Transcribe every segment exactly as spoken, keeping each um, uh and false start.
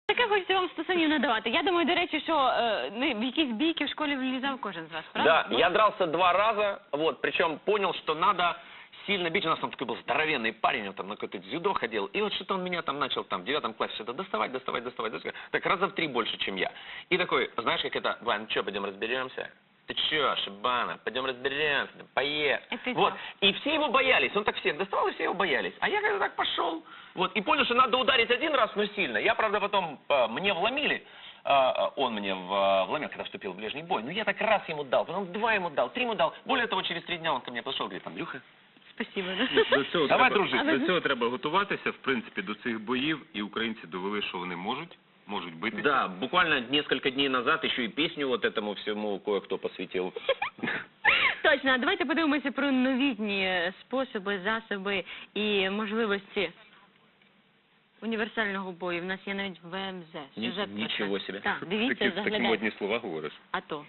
Таке хочеться вам стосунів не давати. Я думаю, до речі, що е, ну, в якісь бійки в школі влізав кожен з вас, правда? Да, я дрался два раза, вот, причем понял, что надо сильно бить. У нас там такой был здоровенный парень, он там на какое-то дзюдо ходил, и вот что-то он меня там начал там в девятом классе что-то доставать, доставать, доставать, доставать, так раза в три больше, чем я. И такой, знаешь, как это, Вань, ну что, пойдем разберемся? Ты че, Шибана, пойдем разберемся, поехали. Вот, и все его боялись, он так всех доставал, и все его боялись. А я как-то так пошел, вот, и понял, что надо ударить один раз, но сильно. Я, правда, потом, э, мне вломили, э, он мне в, вломил, когда вступил в ближний бой, но я так раз ему дал, потом два ему дал, три ему дал. Более того, через три дня он ко мне подошел, говорит, Андрюха, Спасибо. До цього, Давай, треба, дружити. до цього треба готуватися, в принципі, до цих боїв, і українці довели, що вони можуть, можуть битися. да, буквально несколько дней назад еще и песню вот этому всему кое-кто посвятил. Точно, а давайте подивимося про новітні способи, засоби і можливості універсального бою. В нас є навіть В М З. Ні- Сюжет про нічого це. собі. Так, дивіться, Такі, такі заглядайте. модні слова говориш. А то.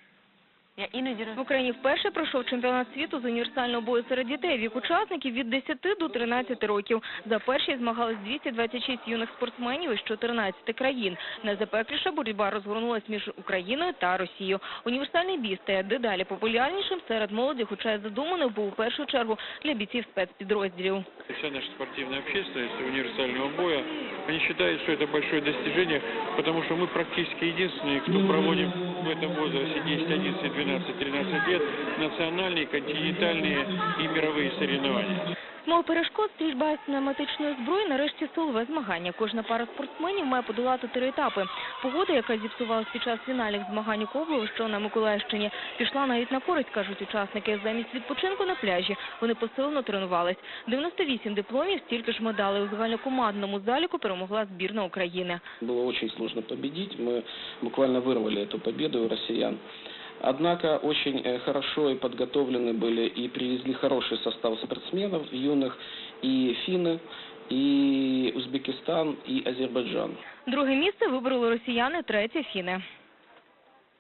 Я іноді роз... В Україні вперше пройшов чемпіонат світу з універсального бою серед дітей. Вік учасників від десяти до тринадцяти років. За перші змагались двісті двадцять шість юних спортсменів із чотирнадцяти країн. Найзапекліша боротьба розгорнулась між Україною та Росією. Універсальний бій стає дедалі популярнішим серед молоді, хоча й задуманий був у першу чергу для бійців спецпідрозділів. Вся наша спортивная общественность универсального боя, они считают, что это большое достижение, потому что мы практически единственные, кто проводим в этом возрасте десять, одиннадцать, двенадцать, тринадцать лет национальные, континентальные и мировые соревнования. Мов перешкод, стрільба з пневматичної зброї нарешті силове змагання. Кожна пара спортсменів має подолати три етапи. Погода, яка зіпсувалась під час фінальних змагань у Коблево, що на Миколаївщині, пішла навіть на користь, кажуть учасники. Замість відпочинку на пляжі вони посилено тренувались. дев'яносто вісім дипломів, стільки ж медалей. У загальнокомандному заліку перемогла збірна України. Было очень сложно победить. Мы буквально вырвали эту победу у россиян. Однако очень э, хорошо и подготовлены были и привезли хороший состав спортсменов юных, и финны, и Узбекистан, и Азербайджан. Друге місце вибороли росіяни, третє – фіни.